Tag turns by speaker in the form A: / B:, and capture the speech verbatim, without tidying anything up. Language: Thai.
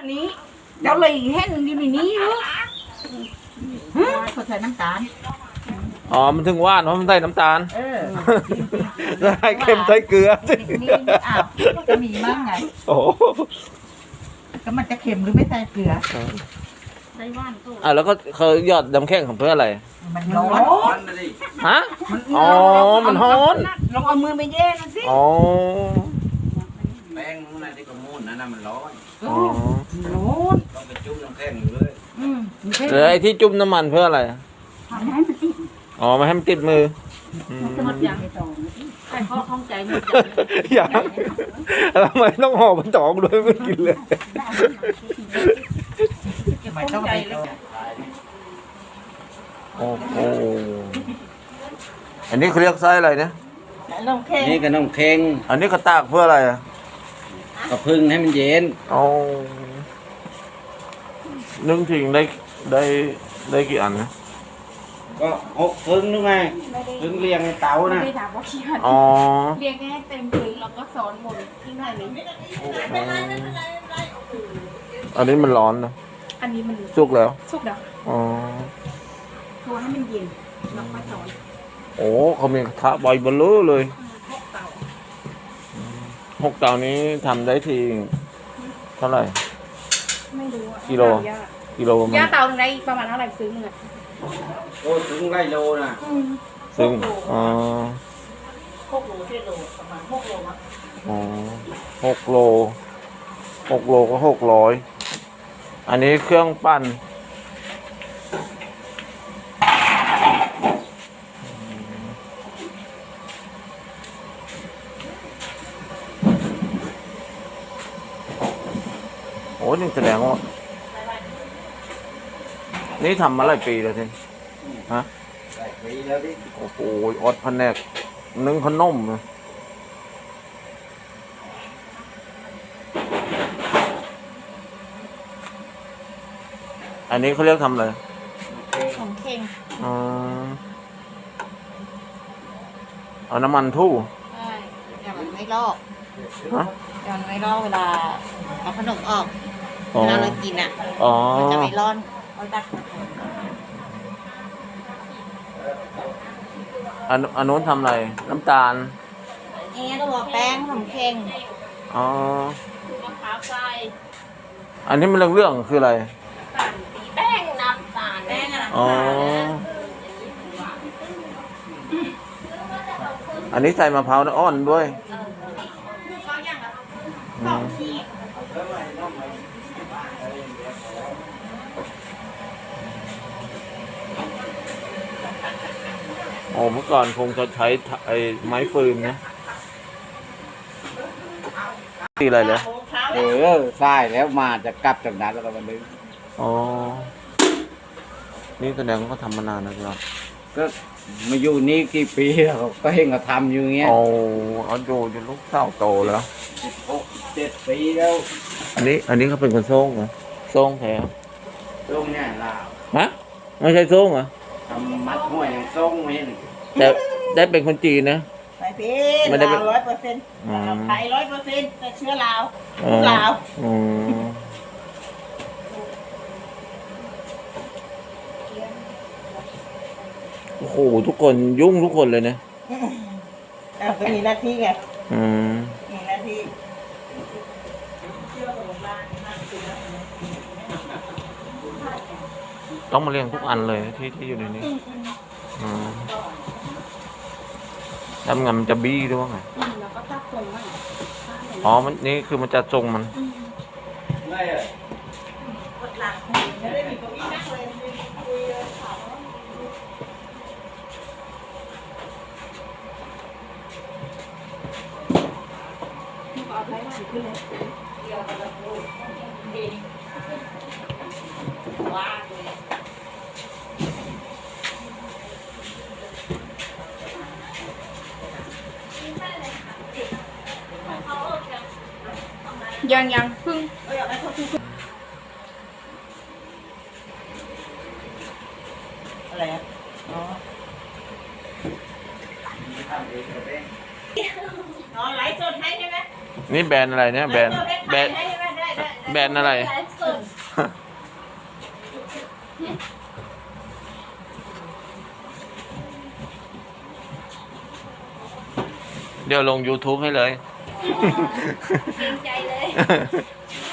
A: นี้เจ้าเลยแห้งอยู่ในนี้เหรอเขาใส่น้ำตาล
B: อ๋อมันถึงว่านเพราะมันใส่น้ำตาล
A: เออ
B: ใส่เค็มใส่เกลือ
A: นี่อ้าวจะมีมั้งไง
B: โอ้
A: ก็มันจะเค็มหรือไม่ใส่เกลือใส่ว่านก็
B: อ่ะแล้วก็เขาหยอดน้ำแข็งของเพื่ออะไร
A: มันร้อน
B: ฮะอ๋อมันร้อน
A: ลองเอามือไปแย่นั่นสิ
B: อ๋อ
C: แป้งนู้นน่ะที่กระมูนนั่นน่ะมันร้อน
B: อ๋อ
A: ร้อน
C: ต้องไปจุ่มน้ำแข็งอยู่เลย
A: อืม
B: แล้วไอ้ที่จุ่มน้ำมันเพื่ออะไร
A: ทำให้มันติด
B: อ๋อไม่ให้มันติดมือ
A: หมดอย่างใส่ข้อข้องใจหมด
B: อย่างทำไมต้องห่อมันตองด้วยไม่กินเลย
A: ไม่ต้องไป
B: โอ้โหอันนี้เขาเรียกไส้อะไรเนี่ย
C: นี่ก็น้ำแข็ง
B: อันนี้เขาตากเพื่ออะไรอ่ะ
C: ก็พึ่งให้มันเย็น
B: อ๋อนึ่งทิ้งได้ได้ได้กี่อันนะ
C: ก็หกพึ่งนึกไงพึ่งเรียงในเตานะ
B: อ๋อ
D: เรียงให้เต็มพึ่งแล้วก็สอนหมดที่ไหนนี้
B: อันนี้มันร้อนนะ
D: อันนี้มัน
B: สุกแล้ว
D: สุกแล้ว
B: อ๋อ
D: โทรให้มันเย็นแล้วก็สอน
B: โอ้เขามีกระทะใบเบลอเลยหกเตานี้ทำได้ทีเท่าไหร่
D: ไม่รู้
B: กิโลกิโล
D: ย่าเตาหนึ่งได้ประมาณเท่าไหร่ซื้อมึงอะ
C: โอ้ถึงไรโลนะ
B: ซึ่งอ๋อ
A: หกโลเจ็ดโลประมาณหกโลมั้ง
B: อ๋อหกโลหกโลก็หกร้อยอันนี้เครื่องปั้นโอ้นี่แสดงว่านี่ทำมาหลายปีแล้วทีฮะ
C: หลายปีแล้วดิ
B: โอ้โหอดพันแนกนึ่งขนมอันนี้เขาเรียกทำอะไร
D: ของเค็ง
B: อ๋อเอาน้ำมันทู่
D: ใช่อย่ามันไม่ลอก
B: ฮะ
D: อย่ามันไม่ลอกเวลาเอาขนมออกเวลาเรากินอ่ะมันจะไม่ร้อนเอาตัก
B: อันอันนู้นทำอะไรน้ำตาล
D: เอ๊ะตัวแป้งของเค็ง
B: อ๋อ
D: มะพร้าวใส่
B: อันนี้มันเรื่องเรื่องคืออะไร
D: แป้งน้ำตาลแป้งอะไร
B: อ๋ออันนี้ใส่มะพร้าวน้ำอ้อนด้วยโอ้เมื่อก่อนคงจะใช้ไอ้ไม้ฟืนนะตีอะไรเลย
C: เออใช่แล้วมาจะกลับจากนั้นแล้วก็มาดึง
B: อ๋อนี่แสดงว่าเขาทำมานานนะครับ
C: ก็มาอยู่นี่กี่ปีแล้วก็เห็นเขาทำอยู่เงี้ย
B: โอ้เอาดูจนลูกสาวโตแล้ว
C: หกเจ็ดปีแล้ว
B: อันนี้อันนี้เขาเป็นคนโซ่งเหรอโซ่งแท้
C: โซ่งเนี่ยลาว
B: ฮะไม่ใช่โซ่งเหรอ
C: ทำมัดห้วยอย่างโซ่งไม่เห็น
B: แต่ได้เป็นคนจีนนะ
A: ใส่พีลาวร้อยเปอร์เซ็นต์ไทยร้อยเปอร์เซ็นต์แต่เชื้อลาวลาว
B: โอ้โหทุกคนยุ่งทุกคนเลยนะ
A: อ้าวก็มีหน้าที่ไง
B: อืม
A: มีหน้าที่
B: ต้องมาเรียงทุกอันเลยที่ที่อยู่ในนี้อืมแล้วงานมันจะบี้ด้วยว่าไง
D: แล้วก็ตักทรงมัน
B: อ๋อมันนี่คือมันจะทรงมัน
C: ไม่อะ
A: กดหลังไม่ได้มีเก้าอี้นั่งเลยคุยเลยถาม
D: เอาไว้หวานขึ้นเลยเดี๋ยวเราพูดดีว้าเลยยังยังพึ่ง
A: อะไรอ่ะอ๋ออ๋อไลฟ์สดให้ใช่ไหม
B: นี่แบรนด์อะไรเนี่ยแบรนด์แบรนด์แบรนด์อะไร
A: สุด
B: เดี๋ยวลง YouTube ให้เลย
A: เกรงใจเลย